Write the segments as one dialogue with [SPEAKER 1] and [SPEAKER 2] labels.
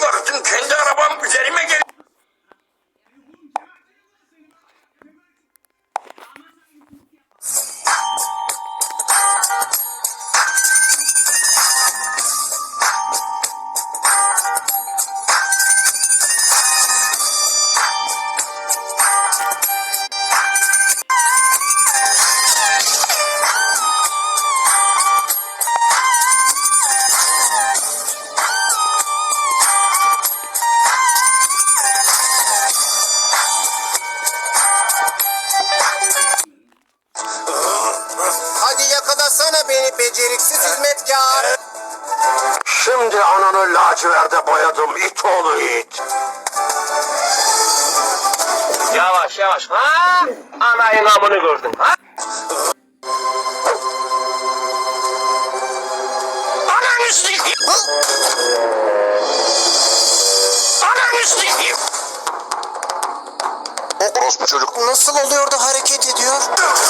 [SPEAKER 1] baktım kendi arabam üzerime gel.
[SPEAKER 2] Hadi yakalasana beni beceriksiz hizmetkar.
[SPEAKER 1] Şimdi ananı laciverde boyadım it oğlu it.
[SPEAKER 3] Yavaş yavaş. Ha? Anayın amını gördün. Ha?
[SPEAKER 1] Ananı sikeyim. Ananı sikeyim. O orospu çocuk.
[SPEAKER 2] Nasıl oluyor da hareket ediyor?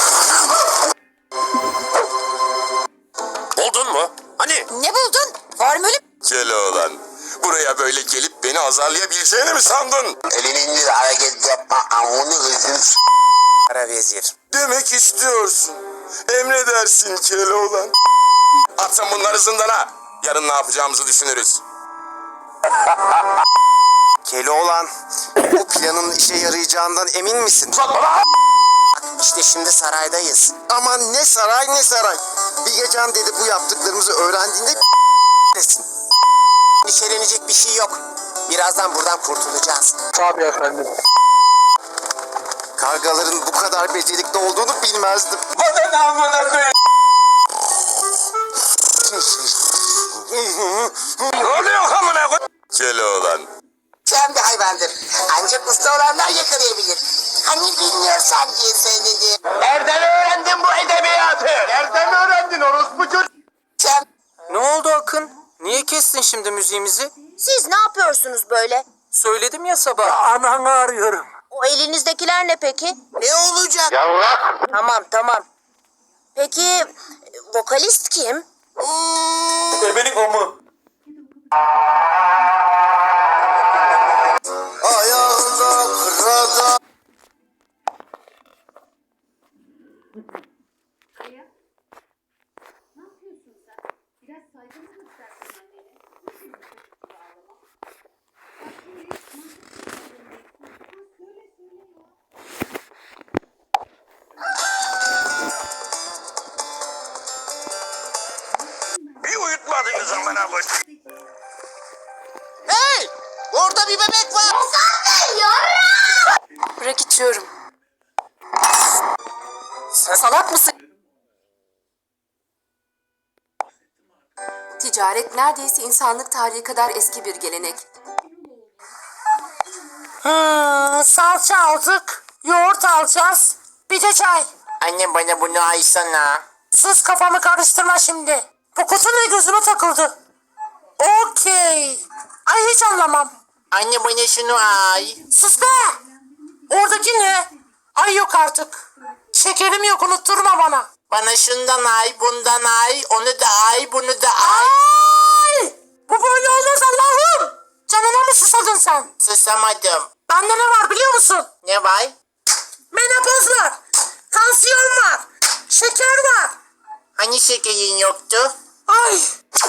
[SPEAKER 1] Buldun mu? Hani?
[SPEAKER 2] Ne buldun? Formülü?
[SPEAKER 1] Keloğlan. Buraya böyle gelip beni azarlayabileceğini mi sandın?
[SPEAKER 4] Elini indir hareket yapma amını hızını
[SPEAKER 2] Kara vezir.
[SPEAKER 1] Demek istiyorsun. Emredersin Keloğlan. Atın bunları zindana. Yarın ne yapacağımızı düşünürüz.
[SPEAKER 2] Keloğlan, bu planın işe yarayacağından emin misin? İşte şimdi saraydayız. Aman ne saray ne saray. Bilgecan dedi bu yaptıklarımızı öğrendiğinde desin. Endişelenecek bir şey yok. Birazdan buradan kurtulacağız.
[SPEAKER 3] Tabii efendim.
[SPEAKER 2] Kargaların bu kadar becerikli olduğunu bilmezdim.
[SPEAKER 1] Bana amına koyayım. Ne oluyor amına koyayım? Keloğlan.
[SPEAKER 4] Sen bir hayvandır. Ancak usta olanlar yakalayabilir. Hani bilmiyorsan diye söyledim.
[SPEAKER 3] Nereden öğrendin bu edebiyatı? Nereden öğrendin orospu çocuk?
[SPEAKER 4] Sen
[SPEAKER 2] Ne oldu Akın? Niye kestin şimdi müziğimizi?
[SPEAKER 5] Siz ne yapıyorsunuz böyle?
[SPEAKER 2] Söyledim ya sabah. Ananı arıyorum.
[SPEAKER 5] O elinizdekiler ne peki?
[SPEAKER 4] ne olacak?
[SPEAKER 5] Tamam. Peki vokalist kim?
[SPEAKER 3] Bebelik o mu?
[SPEAKER 2] Ayağında kırada.
[SPEAKER 6] Aya, ne yapıyorsun sen? Biraz saygı mı göstersin annene? Nasıl bir çocuk ağlama? Bak şimdi mantıklı söyle ya.
[SPEAKER 1] Bir uyutmadınız amına koyayım.
[SPEAKER 2] Hey! Orada bir bebek var.
[SPEAKER 5] Bırak içiyorum. Sen salak mısın? Ticaret neredeyse insanlık tarihi kadar eski bir gelenek.
[SPEAKER 7] Salça aldık, yoğurt alacağız, bir de çay.
[SPEAKER 2] Anne bana bunu aysana.
[SPEAKER 7] Sus kafamı karıştırma şimdi. Bu kutu ne gözüme takıldı. Okey. Ay hiç anlamam.
[SPEAKER 2] Anne bana şunu ay.
[SPEAKER 7] Sus be. Oradaki ne? Ay yok artık. Şekerim yok unutturma bana.
[SPEAKER 2] Bana şundan ay, bundan ay, onu da ay, bunu da ay.
[SPEAKER 7] Ay! Bu böyle olmaz Allah'ım. Canına mı susadın sen?
[SPEAKER 2] Susamadım.
[SPEAKER 7] Bende ne var biliyor musun?
[SPEAKER 2] Ne var?
[SPEAKER 7] Menopoz var. Tansiyon var. Şeker var.
[SPEAKER 2] Hani şekerin yoktu?
[SPEAKER 7] Ay.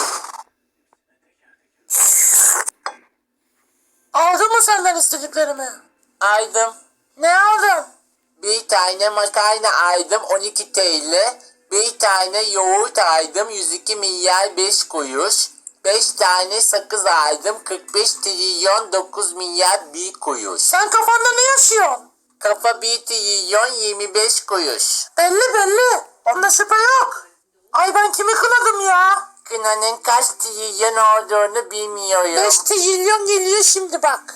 [SPEAKER 7] Aldın mı senden istediklerimi?
[SPEAKER 2] Aydım.
[SPEAKER 7] Ne aldın?
[SPEAKER 2] Bir tane makarna aydım 12 TL. Bir tane yoğurt aydım 102 milyar 5 kuruş. 5 tane sakız aydım 45 trilyon 9 milyar 1 kuruş.
[SPEAKER 7] Sen kafanda ne yaşıyorsun?
[SPEAKER 2] Kafa 1 trilyon 25 kuruş.
[SPEAKER 7] Belli. Onda şüphe yok. Ay ben kimi kınadım ya?
[SPEAKER 2] Kınanın kaç trilyon olduğunu bilmiyorum.
[SPEAKER 7] 5 trilyon geliyor şimdi bak.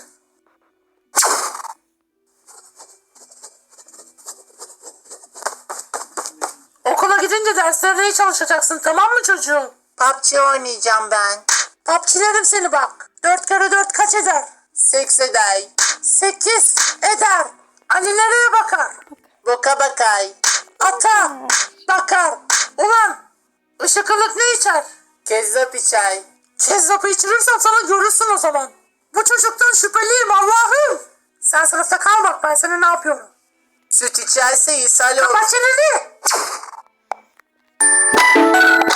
[SPEAKER 7] Okula gidince derslerine iyi çalışacaksın tamam mı çocuğum?
[SPEAKER 2] PUBG oynayacağım ben.
[SPEAKER 7] Papçilerim seni bak. 4 kere 4 kaç eder?
[SPEAKER 2] Seks eder.
[SPEAKER 7] 8 eder. Ali nereye bakar?
[SPEAKER 2] Boka bakay.
[SPEAKER 7] Ata bakar. Ulan ışık ılık ne içer?
[SPEAKER 2] Kezzap içer.
[SPEAKER 7] Kezzapı içirirsen sana görürsün o zaman. Bu çocuktan şüpheliyim Allah'ım. Sen sınıfta kal bak ben sana ne yapıyorum.
[SPEAKER 2] Süt içerse ishal olur.
[SPEAKER 7] Kapat çeneni.